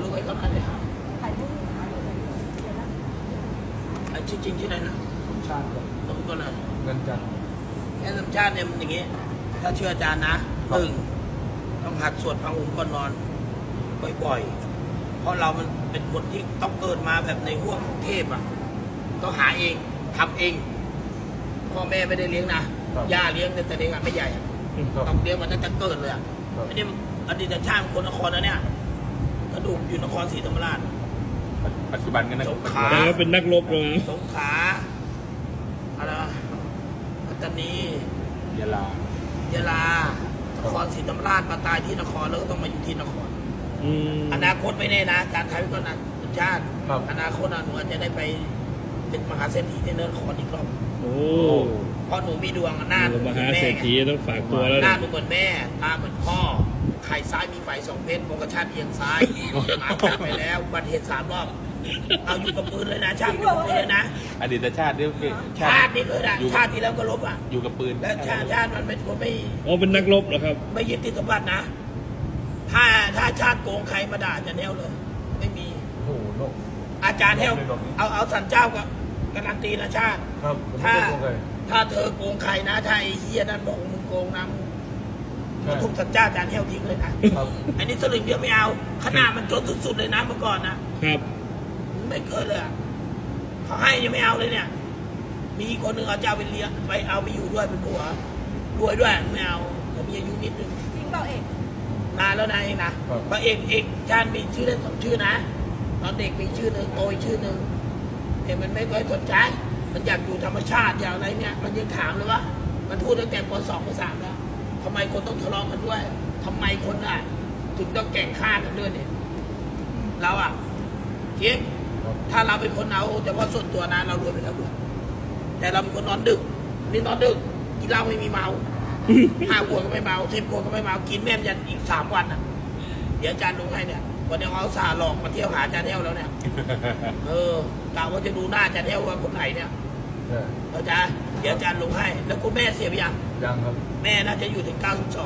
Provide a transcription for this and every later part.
ดูให้เขาหน่อยเลยถ่ายรูปถ่ายรูปชื่อจริงชื่ออะไรนะสมชาติครับสมก็เลยเงินจันทร์แอนสมชาติเนี่ยมันอย่างงี้ ถ้าเชื่ออาจารย์นะต้องหัดสวดพระองค์ก่อนนอนบ่อยๆเพราะเรามันเป็นคนที่ต้องเกิดมาแบบในห้วงเทพอ่ะต้องหาเองทำเองพ่อแม่ไม่ได้เลี้ยงนะย่าเลี้ยงแต่เด็กไม่ใหญ่ต้องเลี้ยงมันตั้งแต่เกิดเลยอ่ะอันนี้อดีตชาติคนนครนะเนี่ยกระดูกอยู่นครศรีธรรมราชปัจจุบันกันนะสงขลาแล้วเป็นนักรบเลยสงขลาอะไรปัตตานียะลายะลานครศรีธรรมราชมาตายที่นครแล้วก็ต้องมาอยู่ที่นคร อนาคตไม่แน่นะอาจารย์ไทยก็นะชาติอนาคตหนูอาจจะได้ไปเป็นมหาเศรษฐีที่นครอีกรอบโอ้เพราะหนูมีดวงหน้าหนูเหมมือนหาแม่เศรษฐีต้องฝากตัวแล้วหน้านะหนูเหมือนแม่ตาเหมือนพ่อไข่ซ้ายมีไฟ2 เพชรโมกชาติเอียงซ้ายหมากัดไปแล้วอุบัติเหตุ3 รอบเอาอยู่กับปืนเลยนะชาติอยู่กับปืนเลยนะอดีตชาติเนี่ยชาตินี่เลยนะชาติที่แล้วก็ลบอ่ะอยู่กับปืนและชาติมันเป็นคนไม่อ๋อเป็นนักรบเหรอครับไม่ยึดติดสมบัตินะ ถ้าชาติโกงใครมาด่าจะแนวเลย ไม่มีโอ้โหโลกอาจารย์แนวเอาสันเจ้าก็การันตีนะชาติครับถ้าเธอโกงใครนะ ถ้าไอ้เฮียนั่นบอกมึงโกงนะมึงทุบสันเจ้าอาจารย์แนวทิ้งเลยนะครับอันนี้สลึงเดียวไม่เอา ขนาดมันจนสุดๆเลยนะเมื่อก่อนนะครับ ไม่เคยเลยอะเขาให้ยังไม่เอาเลยเนี่ย มีคนหนึ่งเอาเจ้าไปเลี้ยงไปเอาไปอยู่ด้วยเป็นผัวรวยด้วยไม่เอาผมมีอายุนิดนึงจริงเปล่าเอกนานแล้วนะเองนะพระเอกชาญมีชื่อเล่น2 ชื่อนะตอนเด็กมีชื่อหนึ่งโตอีกชื่อหนึ่งเด็กมันไม่ค่อยสนใจมันอยากอยู่ธรรมชาติอย่างไรเนี่ยมันยังถามเลยว่ามันพูดตั้งแต่ป .2 ป .3 แล้วทำไมคนต้องทะเลาะกันด้วยทำไมคนอ่ะถึงต้องแก่งฆ่ากันด้วยเนี่ยเราอ่ะจริงถ้าเราเป็นคนเอาแต่ว่าส่วนตัวนะเรารวยไปแล้วด้วยแต่เราเป็นคนนอนดึกนี่นอนดึกกินเหล้าไม่มีเมา 5 ขวดก็ไม่เมา10 ขวดก็ไม่เมากินแม่มยันอีก3 วันอ่ะเดี๋ยวอาจารย์ลงให้เนี่ยวันนี้เขาสาหลอกมาเที่ยวหาอาจารย์เที่ยวแล้วเนี่ยกะว่าจะดูหน้าอาจารย์เที่ยวว่าคนไหนเนี่ยอาจารย์เดี๋ยวอาจารย์ลงให้แล้วคุณแม่เสียไปยังยังครับแม่น่าจะอยู่ถึง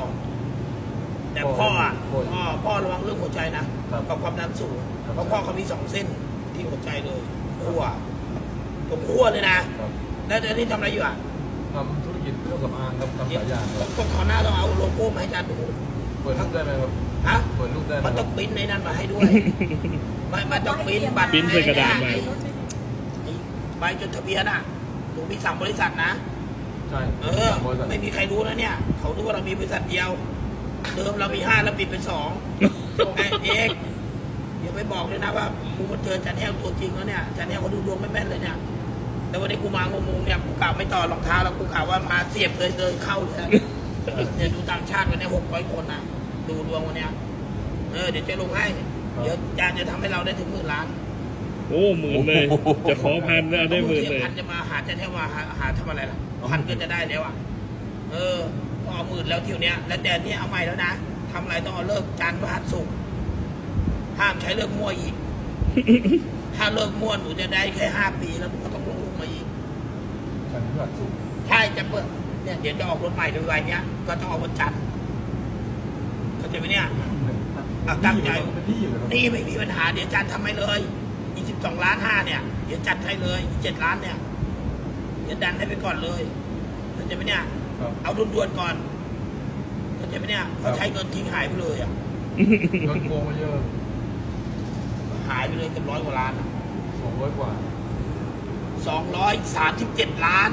92แต่พ่ออ่ะพ่อระวังเรื่องหัวใจนะกับความดันสูงเพราะพ่อเขามี2 เส้นที่หัวใจเลยขั้วตรงขั้วเลยนะแล้วตอนนี้ทำอะไรอยู่อ่ะทำธุรกิจเครื่องสำอางครับทำหลายอย่างครับต้องขอหน้าต้องเอาโลโก้มาให้อาจารย์ดูเปิดรูปได้ไหมครับฮะเปิดรูปได้ไหมมันคต้รัอบ งปริ้นในนั้นมาให้ด้วยมันต้องปริ้นบัตรปริ้นใส่กระดาษมาใบจดทะเบียนอ่ะหนูมี3 บริษัทนะใช่ไม่มีใครรู้นะเนี่ยเขารู้ว่าเรามีบริษัทเดียว เดิมเรามี5แล้วปิดเป็น2ไอ้เอกเดี๋ยวไปบอกเลยนะว่ากูมาเจอจันแห้วตัวจริงแล้วเนี่ยจันแห้วเขาดูดวงไม่แม่นเลยเนี่ยแต่วันนี้กูมางงๆเนี่ยกูกล่าวไม่ต่อรองเท้าแล้วกูกล่าวว่ามาเสียบเลยเดินเข้าเลยเนี่ยดูต่างชาติวันนี้600 คนนะดูดวงวันเนี้ยเดี๋ยวจะลงให้เดี๋ยวอาจารย์จะทำให้เราได้ถึง10,000 ล้านโอ้10,000เลยจะขอ1,000แล้วได้10,000เลย 1,000จะมาหาจันแห้วมาหาทำอะไรล่ะ1,000ก็จะได้แล้วอ่ะพอเอา10,000แล้วทีเนี้ยแล้วแต่นี่เอาใหม่แล้วนะทำอะไรต้องเอาเลิกจันทร์พฤหัสศุกร์ห้ามใช้เลิกมั่วอีก ถ้าเลิกมั่วหนูจะได้แค่5 ปีแล้วหนูก็ต้องลงมาอีกฉันเพื่อสุขใช่จะเปิดเนี่ยเดี๋ยวจะออกรถใหม่ด้วยเนี้ยก็ต้องออกวันจันทร์เข้าใจไหมเนี่ยตั้งใจเป็นที่อยู่เลยครับนี่ไม่มีปัญหาเดี๋ยวจันทร์ทำให้เลยอีก12.5 ล้านเนี่ยเดี๋ยวจัดให้เลยอีก7 ล้านเนี่ยเดี๋ยวดันให้ไปก่อนเลยเข้าใจไหมเนี่ยเอาด่วนๆก่อนเข้าใจไหมเนี่ยเขาใช้เงินทิ้งหายไปเลยอ่ะเงินโกงมาเยอะหายไปเลยเกือบ100 กว่าล้านอะ 200 กว่า 237.6 ล้าน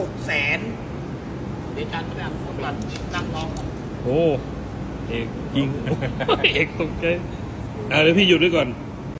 เดี๋ยวจันทร์แบบก่อนนั่งรอโอ้เอกยิง เอกตกใจเดี๋ยวพี่หยุดด้วยก่อน